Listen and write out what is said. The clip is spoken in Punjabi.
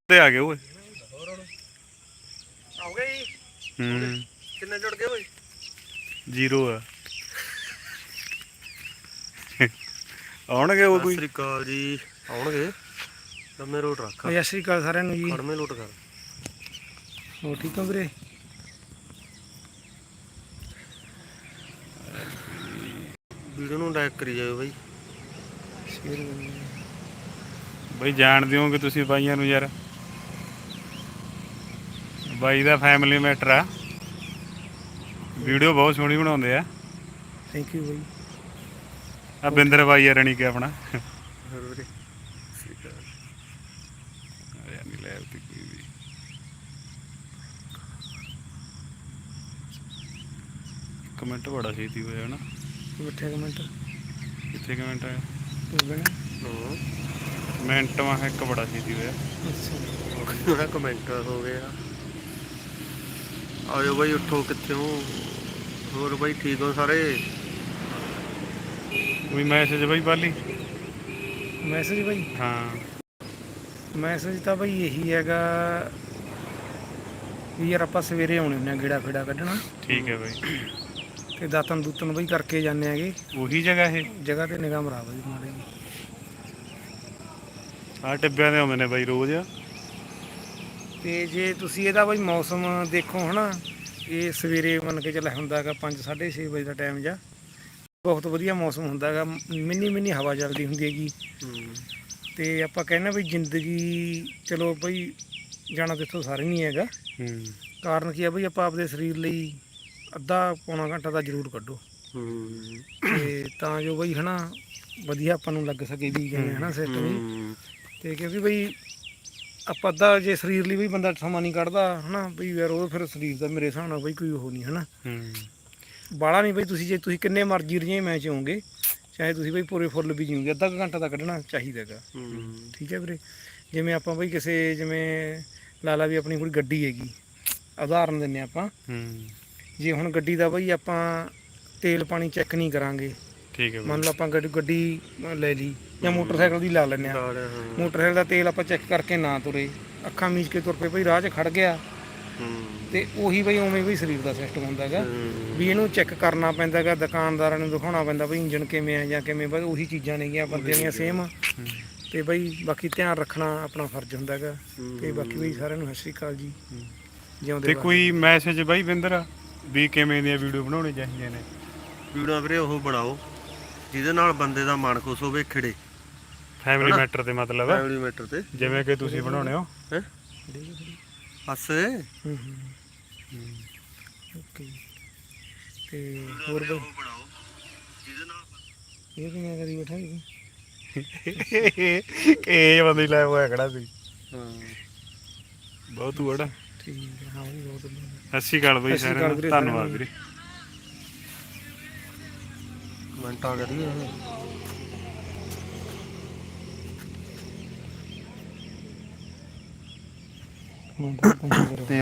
ਤੇ ਆ ਗਏ ਓਏ। ਹੋ ਗਏ ਜੀ। ਕਿੰਨੇ ਜੁੜ ਗਏ ਓਏ? 0 ਆ। ਆਉਣਗੇ ਉਹ ਸਤਿ ਕੋਈ। ਸ੍ਰੀ ਅਕਾਲ ਜੀ। ਆਉਣਗੇ ਲੰਮੇ ਰੋਟ ਰੱਖ। ਸਤਿ ਸ਼੍ਰੀ ਅਕਾਲ ਸਾਰਿਆਂ ਨੂੰ ਜੀ। ਖੜਮੇ ਲੋਟ ਕਰ। ਹੋਰ ਠੀਕ ਹੋ ਵੀਰੇ? ਵੀਡੀਓ ਨੂੰ ਲਾਈਕ ਕਰੀ ਜਾਓ ਬਾਈ। ਸ਼ੇਅਰ ਕਰਨੀ ਬਈ ਜਾਣ ਦਿਓਗੇ ਤੁਸੀਂ ਬਾਈਆਂ ਨੂੰ ਯਾਰ। ਬਾਈ ਦਾ ਫੈਮਿਲੀ ਮੈਟਰ ਆ। ਵੀਡੀਓ ਬਹੁਤ ਸੋਹਣੀ ਬਣਾਉਂਦੇ ਆ। ਥੈਂਕ ਯੂ ਬਾਈ। ਆ ਬਿੰਦਰ ਬਾਈ ਆ ਰਣੀ ਕੇ ਆਪਣਾ। ਹੋਰ ਵੀਰੇ ਨਹੀਂ ਲੈ ਕੋਈ ਵੀ। ਕਮੈਂਟ ਬੜਾ ਛੇਤੀ ਹੋਇਆ ਹਨਾ। ਮਿੱਠੇ ਕਮੈਂਟ ਕਿੱਥੇ ਕਮੈਂਟ ਆਇਆ? ਮਿੰਟ ਮਾ ਇੱਕ ਬੜਾ ਛੇਤੀ ਹੋਇਆ। ਅੱਛਾ ਕਮੈਂਟ ਹੋ ਗਿਆ। ਆਜੋ ਬਾਈ ਉੱਠੋ। ਕਿੱਥੇ ਹੋ? ਹੋਰ ਬਾਈ ਠੀਕ ਹੋ ਸਾਰੇ? ਕੋਈ ਮੈਸੇਜ ਬਾਈ ਪਾਲੀ? ਮੈਸੇਜ ਬਾਈ? ਹਾਂ ਮੈਸੇਜ ਤਾਂ ਬਾਈ ਇਹੀ ਹੈਗਾ ਵੀ ਯਾਰ ਆਪਾਂ ਸਵੇਰੇ ਆਉਣੇ ਹੁੰਦੇ ਆ ਗੇੜਾ ਫੇੜਾ ਕੱਢਣਾ। ਠੀਕ ਹੈ ਬਾਈ। ਤੇ ਦਾਤਨ ਦੂਤਨ ਬਾਈ ਕਰਕੇ ਜਾਂਦੇ ਹੈਗੇ। ਉਹੀ ਜਗ੍ਹਾ ਇਹ ਜਗ੍ਹਾ ਤੇ ਨਿਗਾਹ ਮਰਾ ਬਾਈ ਮਾੜੀ ਜੀ। ਆਹ ਟਿੱਬਿਆਂ ਦੇ ਆਉਂਦੇ ਨੇ ਬਾਈ ਰੋਜ਼। ਤੇ ਜੇ ਤੁਸੀਂ ਇਹਦਾ ਬਾਈ ਮੌਸਮ ਦੇਖੋ ਹਨਾ, ਇਹ ਸਵੇਰੇ ਮੰਨ ਕੇ ਚੱਲ ਹੁੰਦਾ ਹੈਗਾ 5 6:30 ਵਜੇ ਦਾ ਟਾਈਮ ਜਾਂ ਬਹੁਤ ਵਧੀਆ ਮੌਸਮ ਹੁੰਦਾ ਹੈਗਾ। ਮਿੰਨੀ ਹਵਾ ਚੱਲਦੀ ਹੁੰਦੀ ਹੈਗੀ। ਤੇ ਆਪਾਂ ਕਹਿੰਦੇ ਵੀ ਜ਼ਿੰਦਗੀ ਚਲੋ ਬਈ ਜਾਣਾ ਤਾਂ ਇੱਥੋਂ ਸਾਰੇ ਨਹੀਂ ਹੈਗਾ। ਕਾਰਨ ਕੀ ਆ ਬਈ ਆਪਾਂ ਆਪਦੇ ਸਰੀਰ ਲਈ ਅੱਧਾ ਪੌਣਾ ਘੰਟਾ ਤਾਂ ਜ਼ਰੂਰ ਕੱਢੋ। ਤੇ ਤਾਂ ਜੋ ਬਈ ਹਨਾ ਵਧੀਆ ਆਪਾਂ ਨੂੰ ਲੱਗ ਸਕੇ ਵੀ ਜਿਵੇਂ ਹਨਾ ਸਿਸਟਮ ਵੀ। ਤੇ ਕਿਉਂਕਿ ਬਈ ਆਪਾਂ ਅੱਧਾ ਜੇ ਸਰੀਰ ਲਈ ਵੀ ਬੰਦਾ ਸਮਾਂ ਨਹੀਂ ਕੱਢਦਾ ਹਨਾ ਬਈ ਯਾਰ ਉਹ ਫਿਰ ਸਰੀਰ ਦਾ ਮੇਰੇ ਹਿਸਾਬ ਨਾਲ ਬਈ ਕੋਈ ਉਹ ਨਹੀਂ ਹਨਾ। ਬਾਹਲਾ ਨਹੀਂ ਬਈ ਤੁਸੀਂ ਜੇ ਤੁਸੀਂ ਕਿੰਨੇ ਮਰਜ਼ੀ ਰਜੇ ਮੈਚ ਹੋਵੋਗੇ ਚਾਹੇ ਤੁਸੀਂ ਬਈ ਪੂਰੇ ਫੁੱਲ ਵੀ ਜੀਓਗੇ ਅੱਧਾ ਕੁ ਘੰਟਾ ਤਾਂ ਕੱਢਣਾ ਚਾਹੀਦਾ ਹੈਗਾ। ਠੀਕ ਹੈ ਵੀਰੇ। ਜਿਵੇਂ ਆਪਾਂ ਬਈ ਕਿਸੇ ਜਿਵੇਂ ਲਾ ਵੀ ਆਪਣੀ ਕੋਈ ਗੱਡੀ ਹੈਗੀ, ਉਦਾਹਰਨ ਦਿੰਦੇ ਆਪਾਂ। ਜੇ ਹੁਣ ਗੱਡੀ ਦਾ ਬਈ ਆਪਾਂ ਤੇਲ ਪਾਣੀ ਚੈੱਕ ਨਹੀਂ ਕਰਾਂਗੇ। ਠੀਕ ਹੈ। ਮੰਨ ਲਓ ਆਪਾਂ ਗੱਡੀ ਲੈ ਲਈ ਜਾਂ ਮੋਟਰਸਾਈਕਲ ਦੀ ਲਾ ਲੈਂਦੇ ਹਾਂ। ਮੋਟਰਸਾਈਕਲ ਦਾ ਤੇਲ ਆਪਾਂ ਚੈੱਕ ਕਰਕੇ ਨਾ ਤੁਰੇ, ਅੱਖਾਂ ਮੀਚ ਕੇ ਤੁਰ ਪਏ ਬਈ ਰਾਹ 'ਚ ਖੜ ਗਿਆ। ਤੇ ਉਹੀ ਬਈ ਉਵੇਂ ਬਈ ਸਰੀਰ ਦਾ ਸਿਸਟਮ ਹੁੰਦਾ ਹੈਗਾ ਵੀ ਇਹਨੂੰ ਚੈੱਕ ਕਰਨਾ ਪੈਂਦਾ ਹੈਗਾ। ਦੁਕਾਨਦਾਰਾਂ ਨੂੰ ਦਿਖਾਉਣਾ ਪੈਂਦਾ ਬਈ ਇੰਜਣ ਕਿਵੇਂ ਆ ਜਾਂ ਕਿਵੇਂ। ਬਸ ਉਹੀ ਚੀਜ਼ਾਂ ਨੇਗੀਆਂ ਬੰਦਿਆਂ ਦੀਆਂ ਸੇਮ। ਤੇ ਬਈ ਬਾਕੀ ਧਿਆਨ ਰੱਖਣਾ ਆਪਣਾ ਫਰਜ਼ ਹੁੰਦਾ ਹੈਗਾ। ਤੇ ਬਾਕੀ ਬਈ ਸਾਰਿਆਂ ਨੂੰ ਸਤਿ ਸ਼੍ਰੀ ਅਕਾਲ ਜੀ। ਜਿਉਂਦੇ ਤੇ ਕੋਈ ਮੈਸੇਜ ਬਾਈ ਬਿੰਦਰ ਵੀ ਕਿਵੇਂ ਦੀਆਂ ਵੀਡੀਓ ਬਣਾਉਣੀ ਚਾਹੀਦੀਆਂ ਨੇ? ਵੀਡੀਓ ਵੀਰੇ ਉਹ ਬਣਾਓ ਜਿਹਦੇ ਨਾਲ ਬੰਦੇ ਦਾ ਮਨ ਖੁਸ਼ ਹੋਵੇ। ਖਿੜੇ ਫੈਮਿਲੀ ਮੈਟਰ ਤੇ ਮਤਲਬ ਫੈਮਿਲੀ ਮੈਟਰ ਤੇ ਜਿਵੇਂ ਕਿ ਤੁਸੀਂ ਬਣਾਉਣੇ ਹੋ ਹੈ ਹਾਸੇ। ਓਕੇ। ਤੇ ਹੋਰ ਬਈ ਇਹ ਕਿਵੇਂ ਕਰੀ ਬੈਠਾ ਜੀ? ਇਹ ਬੰਦੇ ਲਾਇਆ ਹੋਇਆ ਖੜਾ ਸੀ। ਬਹੁਤ ਵੜਾ। ਠੀਕ ਹੈ। ਹਾਂ ਵੀ ਬਹੁਤ ਸਤਿ ਸ਼੍ਰੀ ਅਕਾਲ ਬਾਈ ਸਾਰਿਆਂ ਨੂੰ। ਧੰਨਵਾਦ ਵੀਰੇ। ਕਮੈਂਟਾਂ ਕਰੀਏ। ਤੇ